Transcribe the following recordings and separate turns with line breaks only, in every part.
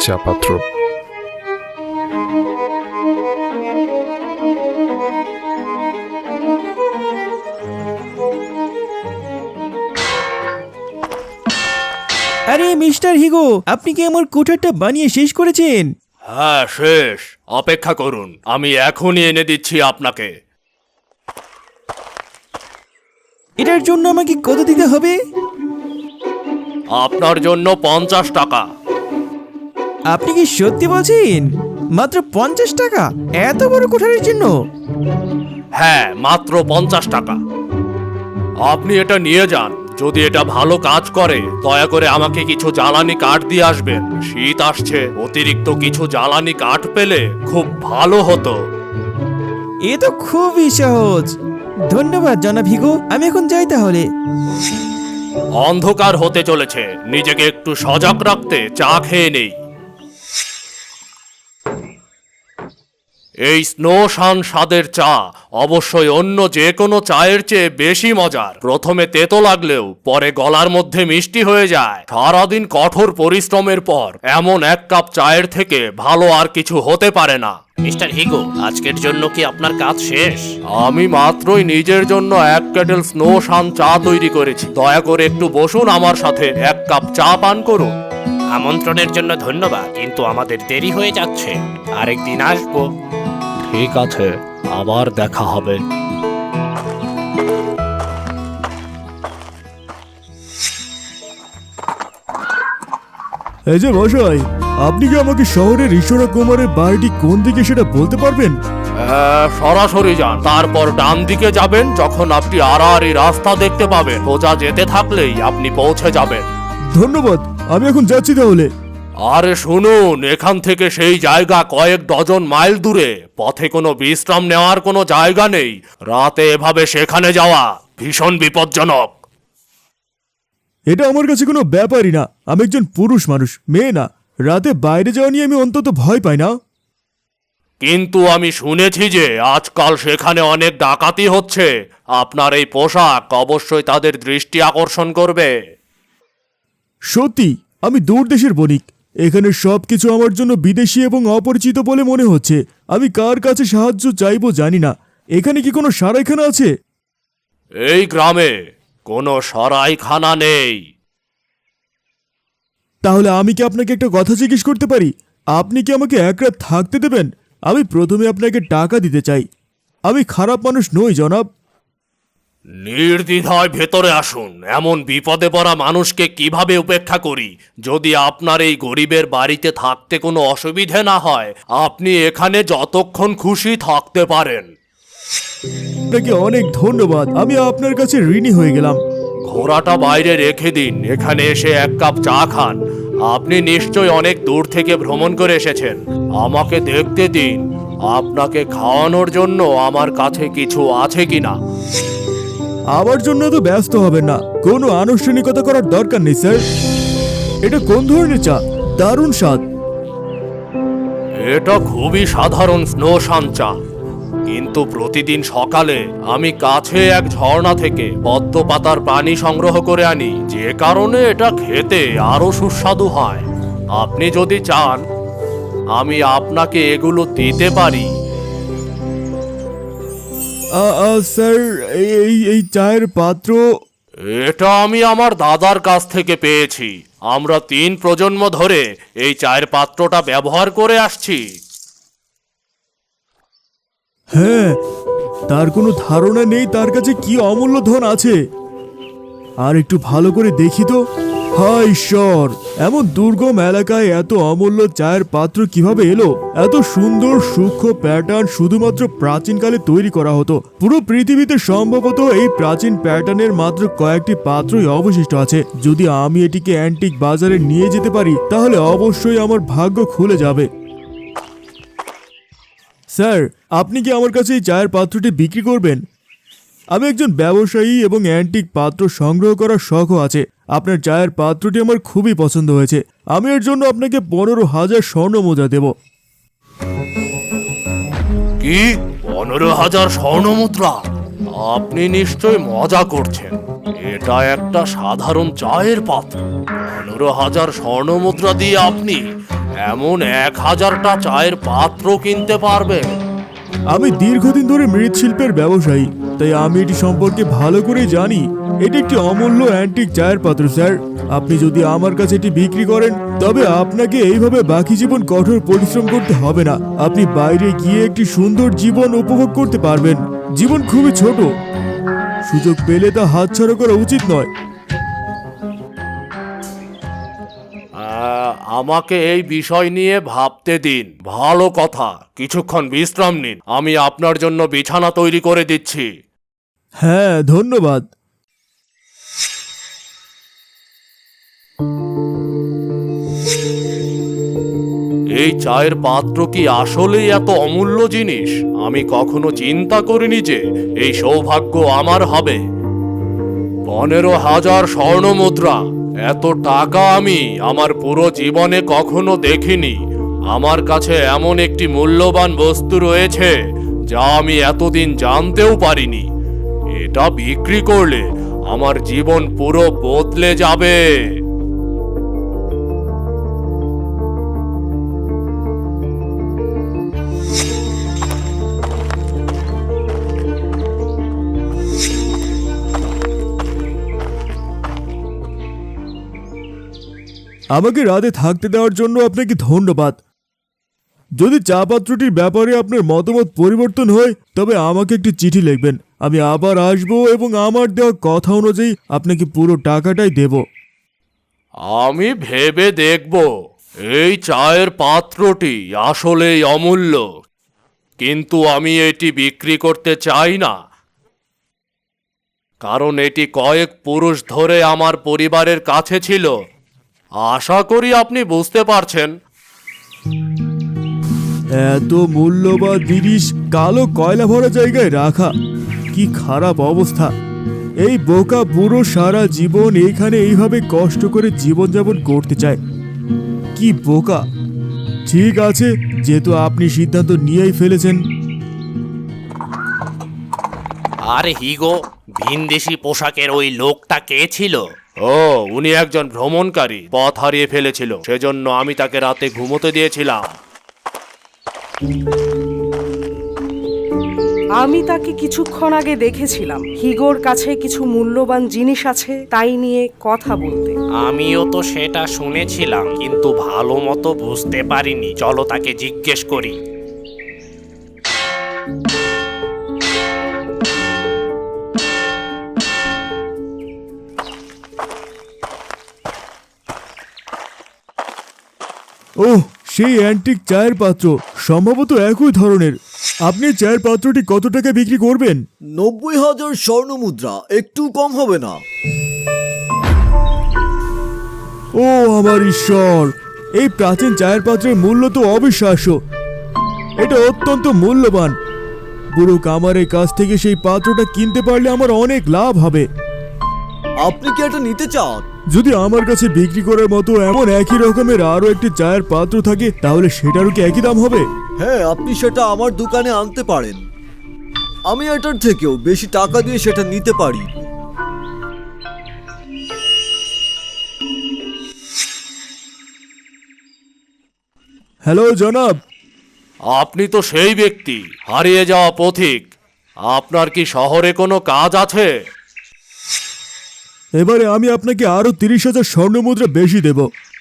চা পাত্র।
আরে মিস্টার হিগো, আপনি কি আমার কোঠারটা বানিয়ে শেষ করেছেন?
হ্যাঁ, শেষ। অপেক্ষা করুন, আমি এখনই এনে দিচ্ছি আপনাকে।
এটার জন্য আমাকে কত দিতে হবে?
আপনার জন্য 50 টাকা।
আপনি কি সত্যি বলছেন? মাত্র 50 টাকা এত বড় কোঠারের জন্য?
হ্যাঁ, মাত্র 50 টাকা। আপনি এটা নিয়ে যান। যদি এটা ভালো কাজ করে দয়া করে আমাকে কিছু জ্বালানি কাঠ দিয়ে আসবেন। শীত আসছে, অতিরিক্ত কিছু জ্বালানি কাঠ পেলে খুব ভালো হতো।
এ তো খুবই সহজ। ধন্যবাদ জনাব হিগো, আমি এখন যাই তাহলে।
অন্ধকার হতে চলেছে, নিজেকে একটু সজাগ রাখতে চা খেয়ে নেই। এই স্নো শান স্বাদের চা অবশ্যই অন্য যে কোনো চায়ের চেয়ে বেশি মজার। প্রথমে তেতো লাগলেও পরে গলার মধ্যে মিষ্টি হয়ে যায়। সারাদিন কঠোর পরিশ্রমের পর এমন এক কাপ চায়ের থেকে ভালো আর কিছু হতে পারে না।
মিস্টার হিগো, আজকের জন্য কি আপনার কাজ শেষ?
আমি মাত্রই নিজের জন্য এক কেটেল স্নো শান চা তৈরি করেছি। দয়া করে একটু বসুন আমার সাথে, এক কাপ চা পান করুন।
আমন্ত্রণের জন্য ধন্যবাদ, কিন্তু আমাদের দেরি হয়ে যাচ্ছে। আরেকদিন আসবো।
ঠিক আছে, আবার দেখা হবে।
এই যে মশাই, আপনি কি আমাকে শহরের ঈশ্বর কুমারের বাড়িটি কোন দিকে সেটা বলতে পারবেন?
সরাসরি যান, তারপর ডান দিকে যাবেন। যখন আপনি আড়াআড়ি রাস্তা দেখতে পাবেন, সোজা যেতে থাকলেই আপনি পৌঁছে যাবেন।
ধন্যবাদ, আমি এখন যাচ্ছি তাহলে।
আরে শুনুন, এখান থেকে সেই জায়গা কয়েক ডজন মাইল দূরে। পথে কোনো বিশ্রাম নেওয়ার কোনো জায়গা নেই। রাতে এভাবে সেখানে যাওয়া ভীষণ বিপজ্জনক।
এটা আমার কাছে কোনো ব্যাপারই না। আমি একজন পুরুষ মানুষ, মেয়ে না। রাতে বাইরে যাওয়া নিয়ে আমি অন্তত ভয় পাই না।
কিন্তু আমি শুনেছি যে আজকাল সেখানে অনেক ডাকাতি হচ্ছে। আপনার এই পোশাক অবশ্যই তাদের দৃষ্টি আকর্ষণ করবে।
সত্যি, আমি দূর দেশের বণিক। এখানে সবকিছু আমার জন্য বিদেশি এবং অপরিচিত বলে মনে হচ্ছে। আমি কার কাছে সাহায্য চাইবো জানি না। এখানে কি কোনো সারাইখানা আছে?
এই গ্রামে কোনো সরাইখানা নেই।
তাহলে আমি কি আপনাকে একটা কথা জিজ্ঞেস করতে পারি? আপনি কি আমাকে এক রাত থাকতে দেবেন? আমি প্রথমে আপনাকে টাকা দিতে চাই। আমি খারাপ মানুষ নই জনাব।
নির্দ্বিধায় ভেতরে আসুন। এমন বিপদে পড়া মানুষকে কিভাবে উপেক্ষা করি? যদি আপনার এই গরিবের বাড়িতে থাকতে কোনো অসুবিধে না হয়, আপনি এখানে যতক্ষণ খুশি থাকতে পারেন।
আপনাকে অনেক ধন্যবাদ, আমি আপনার কাছে ঋণী হয়ে গেলাম।
ঘোড়াটা বাইরে রেখে দিন, এখানে এসে এক কাপ চা খান। আপনি নিশ্চয়ই অনেক দূর থেকে ভ্রমণ করে এসেছেন। আমাকে দেখতে দিন, আপনাকে খাওয়ানোর জন্য আমার কাছে কিছু আছে কিনা।
আমার জন্য তো ব্যস্ত হবেন না, কোনো আনুষ্ঠানিকতা করার দরকার নেই স্যার। এটা কোন ধরনের চা? দারুণ স্বাদ।
এটা খুবই সাধারণ স্নো শান চা, কিন্তু প্রতিদিন সকালে আমি কাছে এক ঝর্ণা থেকে পদ্ম পাতার পানি সংগ্রহ করে আনি, যে কারণে এটা খেতে আরো সুস্বাদু হয়। আপনি যদি চান আমি আপনাকে এগুলো দিতে পারি।
স্যার, এই এই চায়ের পাত্র?
এটা আমি আমার দাদার কাছ থেকে পেয়েছি। আমরা 3 প্রজন্ম ধরে এই চায়ের পাত্রটা ব্যবহার করে আসছি।
হ্যাঁ, তার কোনো ধারণা নেই তার কাছে কি অমূল্য ধন আছে। আর একটু ভালো করে দেখি তো। হায় ঈশ্বর, এমন দুর্গম এলাকায় এত অমূল্য চায়ের পাত্র কিভাবে এলো? এত সুন্দর সূক্ষ্ম প্যাটার্ন শুধুমাত্র প্রাচীনকালে তৈরি করা হতো। পুরো পৃথিবীতে সম্ভবত এই প্রাচীন প্যাটার্নের মাত্র কয়েকটি পাত্রই অবশিষ্ট আছে। যদি আমি এটিকে অ্যান্টিক বাজারে নিয়ে যেতে পারি তাহলে অবশ্যই আমার ভাগ্য খুলে যাবে। স্যার, আপনি কি আমার কাছে এই চায়ের পাত্রটি বিক্রি করবেন? আমি একজন ব্যবসায়ী এবং অ্যান্টিক পাত্র সংগ্রহ করার শখও আছে। আপনার চায়ের পাত্রটি আমার খুবই পছন্দ হয়েছে। আমি এর জন্য আপনাকে 15,000 স্বর্ণ মুদ্রা দেব।
কি 15,000 স্বর্ণ মুদ্রা? আপনি নিশ্চয় মজা করছেন। এটা একটা সাধারণ চায়ের পাত্র। 15,000 স্বর্ণ মুদ্রা দিয়ে আপনি এমন 1000টা চায়ের পাত্র কিনতে পারবে?
আমি দীর্ঘদিন ধরে মৃৎশিল্পের ব্যবসায়ী, তাই আমি এটি সম্পর্কে ভালো করে জানি। এটি একটি অমূল্য অ্যান্টিক চায়ের পাত্র স্যার। আপনি যদি আমার কাছে এটি বিক্রি করেন, তবে আপনাকে এইভাবে বাকি জীবন কঠোর পরিশ্রম করতে হবে না। আপনি বাইরে গিয়ে একটি সুন্দর জীবন উপভোগ করতে পারবেন। জীবন খুবই ছোট, সুযোগ পেলে তা হাতছাড়া করা উচিত নয়।
আমাকে এই বিষয় নিয়ে ভাবতে দিন। ভালো কথা, কিছুক্ষণ বিশ্রাম নিন, আমি আপনার জন্য বিছানা তৈরি করে দিচ্ছি।
হ্যাঁ, ধন্যবাদ।
এই চায়ের পাত্র কি আসলেই এত অমূল্য জিনিস? আমি কখনো চিন্তা করিনি যে এই সৌভাগ্য আমার হবে। 15,000 স্বর্ণ মুদ্রা, এত টাকা আমি আমার পুরো জীবনে কখনো দেখিনি। আমার কাছে এমন একটি মূল্যবান বস্তু রয়েছে যা আমি এতদিন জানতেও পারিনি। এটা বিক্রি করলে আমার জীবন পুরো বদলে যাবে।
আমাকে রাতে থাকতে দেওয়ার জন্য আপনাকে ধন্যবাদ। যদি চা পাত্রটির ব্যাপারে আপনার মতামত পরিবর্তন হয়, তবে আমাকে একটি চিঠি লিখবেন। আমি আবার আসবো এবং আমার দেওয়া কথা অনুযায়ী আপনাকে পুরো টাকাটাই দেব।
আমি ভেবে দেখব। এই চায়ের পাত্রটি আসলেই অমূল্য, কিন্তু আমি এটি বিক্রি করতে চাই না, কারণ এটি কয়েক পুরুষ ধরে আমার পরিবারের কাছে ছিল। আশা করি আপনি বুঝতে পারছেন।
এত মূল্যবান জিনিস কালো কয়লা ভরা জায়গায় রাখা, কি খারাপ অবস্থা। এই বোকা বুড়ো সারা জীবন এইখানে এইভাবে কষ্ট করে জীবনযাপন করতে চায়। কি বোকা। ঠিক আছে, যেহেতু আপনি সিদ্ধান্ত নিয়েই ফেলেছেন।
আরে হিগো, ভিনদেশি পোশাকের ওই লোকটা কে ছিল?
ও, উনি একজন ভ্রমণকারী, পথ হারিয়ে ফেলেছিল, সেজন্য আমি তাকে রাতে ঘুমোতে দিয়েছিলাম।
আমি তাকে কিছুক্ষণ আগে দেখেছিলাম। হিগোর কাছে কিছু মূল্যবান জিনিস আছে, তাই নিয়ে কথা বলতে।
আমিও তো সেটা শুনেছিলাম, কিন্তু ভালো মতো বুঝতে পারিনি। চলো তাকে জিজ্ঞেস করি।
ওহ, সেই অ্যান্টিক চায়ের পাত্র, সম্ভবত একই ধরনের। আপনি চায়ের পাত্রটি কত টাকা বিক্রি করবেন?
90,000 স্বর্ণ মুদ্রা, একটু কম হবে না?
ও আমার ঈশ্বর, এই প্রাচীন চায়ের পাত্রের মূল্য তো অবিশ্বাস্য। এটা অত্যন্ত মূল্যবান। বুড়ো কামারের কাছ থেকে সেই পাত্রটা কিনতে পারলে আমার অনেক লাভ হবে।
আপনি কি এটা নিতে চান?
যদি আমার কাছে বিক্রি করার মতো এমন একই রকমের আরো একটি চায়ের পাত্র থাকে, তাহলে সেটারও কি একই দাম হবে?
হ্যাঁ, আপনি সেটা আমার দোকানে আনতে পারেন। আমি এটার থেকেও বেশি টাকা দিয়ে সেটা নিতে পারি।
হ্যালো জনাব।
আপনি তো সেই ব্যক্তি, হারিয়ে যাওয়া পথিক। আপনার কি শহরে কোনো কাজ আছে?
এবারে আমি আপনাকে আরো 30,000 স্বর্ণ মুদ্রা বেশি দেব।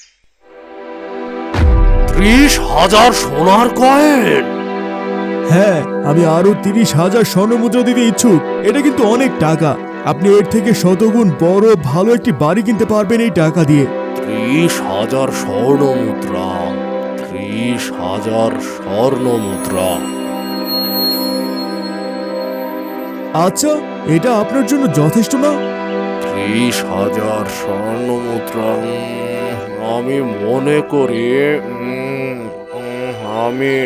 30,000 সোনার কয়েন?
হ্যাঁ, আমি আরো 30,000 স্বর্ণ মুদ্রা দিতে ইচ্ছুক। এটা কিন্তু অনেক টাকা। আপনি এর থেকে শতগুণ বড় ভালো একটি বাড়ি কিনতে পারবেন এই টাকা দিয়ে।
30,000 স্বর্ণ মুদ্রা, 30,000 স্বর্ণ মুদ্রা।
আচ্ছা, এটা আপনার জন্য যথেষ্ট না?
30,000 স্বর্ণ মুদ্রা, আমি মনে করি আমি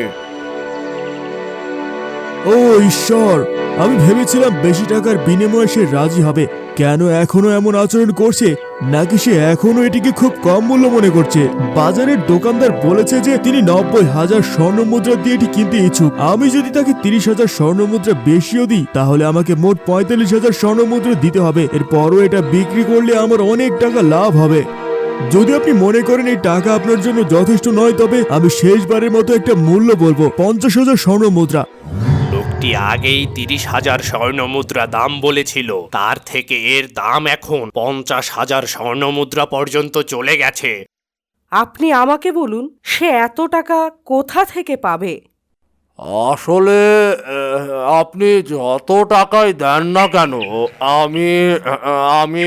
ও ঈশ্বর, আমি ভেবেছিলাম বেশি টাকার বিনিময়ে সে রাজি হবে। কেন এখনো এমন আচরণ করছে? নাকি সে এখনো এটিকে খুব কম মূল্য মনে করছে? বাজারের দোকানদার বলেছে যে তিনি 90,000 স্বর্ণ মুদ্রা দিয়ে এটি কিনতে ইচ্ছুক। আমি যদি তাকে 30,000 স্বর্ণ মুদ্রা বেশিও দিই, তাহলে আমাকে মোট 45,000 স্বর্ণ মুদ্রা দিতে হবে। এরপরও এটা বিক্রি করলে আমার অনেক টাকা লাভ হবে। যদি আপনি মনে করেন এই টাকা আপনার জন্য যথেষ্ট নয়, তবে আমি শেষবারের মতো একটা মূল্য বলবো, 50,000 স্বর্ণ মুদ্রা।
লোকটি আগেই 30,000 স্বর্ণ মুদ্রা দাম বলেছিল, তার থেকে এর দাম এখন 50,000 স্বর্ণ মুদ্রা পর্যন্ত চলে গেছে।
আপনি আমাকে বলুন, সে এত টাকা কোথা থেকে পাবে?
আসলে আপনি যত টাকাই দেন না কেন, আমি আমি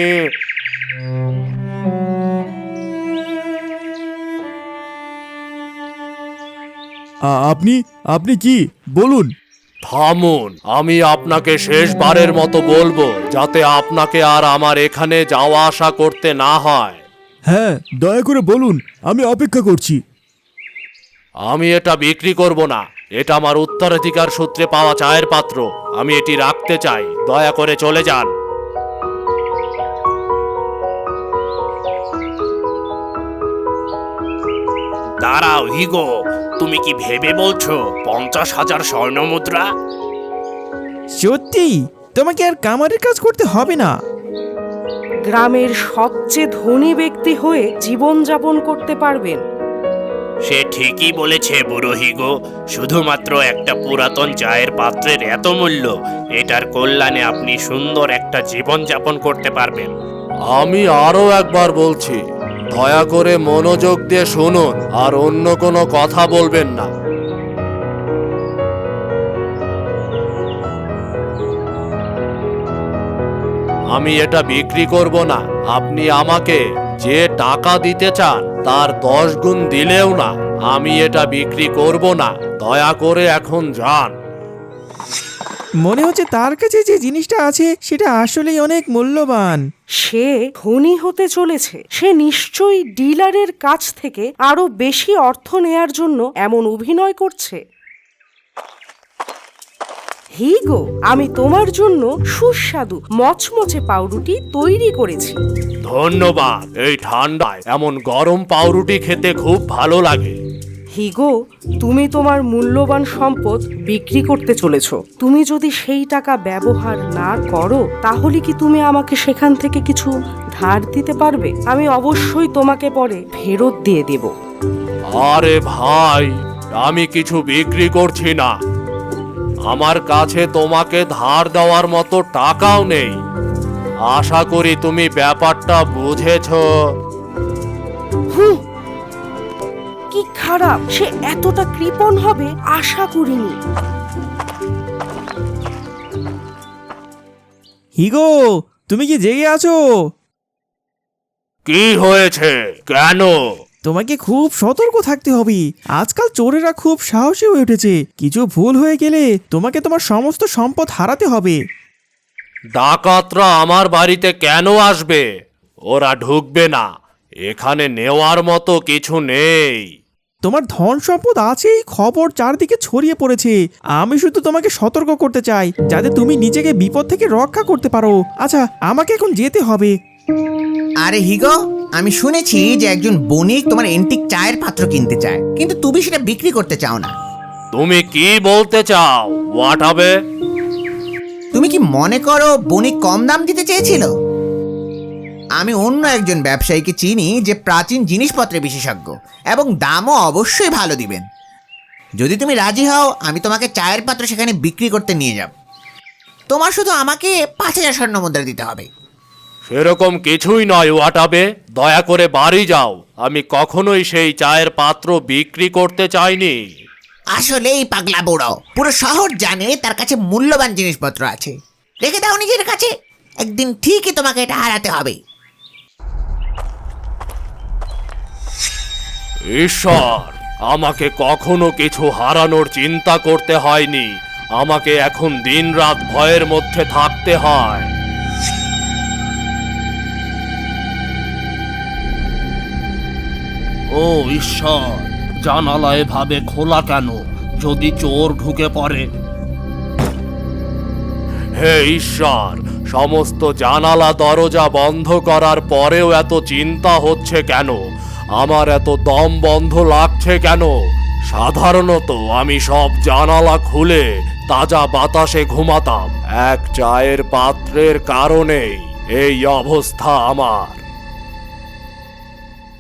আপনি আপনি কি বলুন?
থামুন, আমি আপনাকে শেষবারের মতো বলবো, যাতে আপনাকে আর আমার এখানে যাওয়া আসা করতে না হয়।
হ্যাঁ, দয়া করে বলুন, আমি অপেক্ষা করছি।
আমি এটা বিক্রি করব না। এটা আমার উত্তরাধিকার সূত্রে পাওয়া চায়ের পাত্র। আমি এটি রাখতে চাই। দয়া করে চলে যান।
দাঁড়াও হিগো, তুমি কি ভেবে বলছো 50,000 স্বর্ণ মুদ্রা?
সত্যি তোমাকে আর কামারের কাজ করতে হবে না।
গ্রামের সবচেয়ে ধনী ব্যক্তি হয়ে জীবনযাপন করতে পারবেন।
সে ঠিকই বলেছে বুড়ো হিগো, শুধুমাত্র একটা পুরাতন চায়ের পাত্রের এত মূল্য। এটার কল্যাণে আপনি সুন্দর একটা জীবন যাপন করতে পারবেন।
আমি আরো একবার বলছি, দয়া করে মনোযোগ দিয়ে শুনুন আর অন্য কোনো কথা বলবেন না। আমি এটা বিক্রি করব না। আপনি আমাকে যে টাকা দিতে চান তার 10 গুণ দিলেও না, আমি এটা বিক্রি করব না। দয়া করে এখন যান।
মনে হচ্ছে তার কাছে যে জিনিসটা আছে সেটা আসলেই অনেক মূল্যবান।
সে ধনী হতে চলেছে। সে নিশ্চয়ই ডিলারের কাছ থেকে আরো বেশি অর্থ নেয়ার জন্য এমন অভিনয় করছে। হিগো, আমি তোমার জন্য সুস্বাদু মচমচে পাউরুটি তৈরি করেছি।
ধন্যবাদ। এই ঠান্ডায় এমন গরম পাউরুটি খেতে খুব ভালো লাগে।
হিগো, তুমি তোমার মূল্যবান সম্পদ বিক্রি করতে চলেছ। তুমি যদি সেই টাকা ব্যবহার না করো, তাহলে কি তুমি আমাকে সেখান থেকে কিছু ধার দিতে পারবে? আমি অবশ্যই তোমাকে পরে ফেরত দিয়ে দেব।
আরে ভাই, আমি কিছু বিক্রি করছি না। আমার কাছে তোমাকে ধার দেওয়ার মতো টাকাও নেই। আশা করি তুমি ব্যাপারটা বুঝেছো।
কি খারাপ, সে এতটা কৃপণ হবে আশা করিনি।
হিগো, তুমি কি জেগে আছো?
কি হয়েছে? কেন?
তোমাকে খুব সতর্ক থাকতে হবে। আজকাল চোরেরা খুব সাহসী হয়ে উঠেছে। কিছু ভুল হয়ে গেলে তোমাকে তোমার সমস্ত সম্পদ হারাতে হবে।
ডাকাতরা আমার বাড়িতে কেন আসবে? ওরা ঢুকবে না। এখানে নেওয়ার মতো কিছু নেই।
তোমার ধন সম্পদ আছেই, খবর চারদিকে ছড়িয়ে পড়েছে। আমি শুধু তোমাকে সতর্ক করতে চাই, যাতে তুমি নিজেকে বিপদ থেকে রক্ষা করতে পারো। আচ্ছা, আমাকে এখন যেতে হবে।
আরে হিগো, আমি শুনেছি যে একজন বণিক তোমার এন্টিক চায়ের পাত্র কিনতে চায়, কিন্তু তুমি সেটা বিক্রি করতে চাও না।
তুমি কি বলতে চাও? হোয়াট হবে?
তুমি কি মনে করো বণিক কম দাম দিতে চেয়েছিল? আমি অন্য একজন ব্যবসায়ীকে চিনি যে প্রাচীন জিনিসপত্রে বিশেষজ্ঞ এবং দামও অবশ্যই ভালো দিবেন। যদি তুমি রাজি হও, আমি তোমাকে চায়ের পাত্র সেখানে বিক্রি করতে নিয়ে যাব। তোমার শুধু আমাকে 5,000 স্বর্ণ মুদ্রা দিতে হবে।
সেরকম কিছুই নয় ওয়াটাবে। দয়া করে বাড়ি যাও। আমি কখনোই সেই চায়ের পাত্র বিক্রি করতে চাইনি।
আসলেই পাগলা বুড়ো, পুরো শহর জানে তার কাছে মূল্যবান জিনিসপত্র আছে। রেখে দাও নিজের কাছে, একদিন ঠিকই তোমাকে এটা হারাতে হবে।
ঈশ্বর, আমাকে কখনো কিছু হারানোর চিন্তা করতে হয়নি। আমাকে এখন দিনরাত ভয়ের মধ্যে থাকতে হয়। ও ঈশ্বর, জানালা এভাবে খোলা কেন? যদি চোর ঢুকে পড়ে? হে ঈশ্বর, সমস্ত জানালা দরজা বন্ধ করার পরেও এত চিন্তা হচ্ছে কেন? আমার এত দম বন্ধ লাগছে কেন? সাধারণত আমি সব জানালা খুলে তাজা বাতাসে ঘুমাতাম। এক চায়ের পাত্রের কারণেই এই অবস্থা আমার।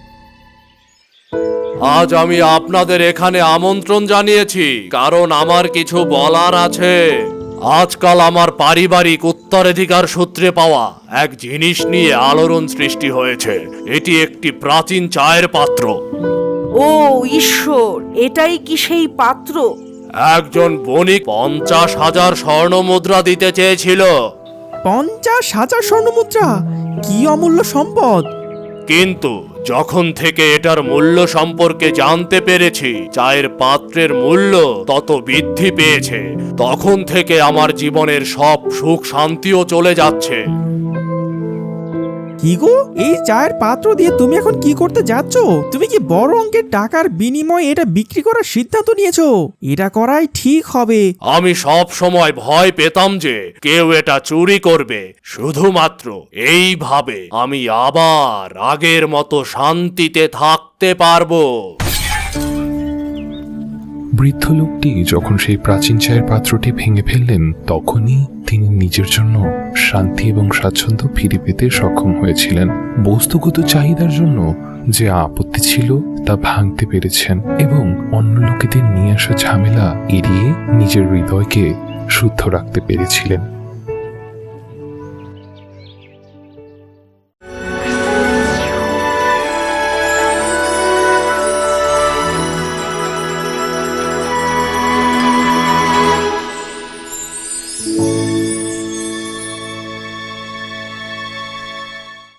আজ আমি আপনাদের এখানে আমন্ত্রণ জানিয়েছি কারণ আমার কিছু বলার আছে। আজকাল আমার পারিবারিক উত্তরাধিকার সূত্রে পাওয়া এক জিনিস নিয়ে আলোড়ন সৃষ্টি হয়েছে। এটি একটি প্রাচীন চায়ের পাত্র।
ও ঈশ্বর, এটাই কি সেই পাত্র?
একজন বণিক 50,000 স্বর্ণ মুদ্রা দিতে চেয়েছিল,
50,000 স্বর্ণমুদ্রা! কি অমূল্য সম্পদ!
কিন্তু যখন থেকে এটার মূল্য সম্পর্কে জানতে পেরেছি, চায়ের পাত্রের মূল্য তত বৃদ্ধি পেয়েছে, তখন থেকে আমার জীবনের সব সুখ শান্তিও চলে যাচ্ছে।
কি গো, এই চায়ের পাত্র দিয়ে তুমি এখন কি করতে যাচ্ছ? তুমি কি বড় অঙ্কের টাকার বিনিময়ে এটা বিক্রি করার সিদ্ধান্ত নিয়েছো? এটা করাই ঠিক হবে।
আমি সব সময় ভয় পেতাম যে কেউ এটা চুরি করবে। শুধুমাত্র এইভাবে আমি আবার আগের মতো শান্তিতে থাকতে পারবো।
বৃদ্ধ লোকটি যখন সেই প্রাচীন চায়ের পাত্রটি ভেঙে ফেললেন, তখনই তিনি নিজের জন্য শান্তি এবং স্বাচ্ছন্দ্য ফিরে পেতে সক্ষম হয়েছিলেন। বস্তুগত চাহিদার জন্য যে আপত্তি ছিল তা ভাঙতে পেরেছেন এবং অন্য লোকেদের নিয়ে আসা ঝামেলা এড়িয়ে নিজের হৃদয়কে শুদ্ধ রাখতে পেরেছিলেন।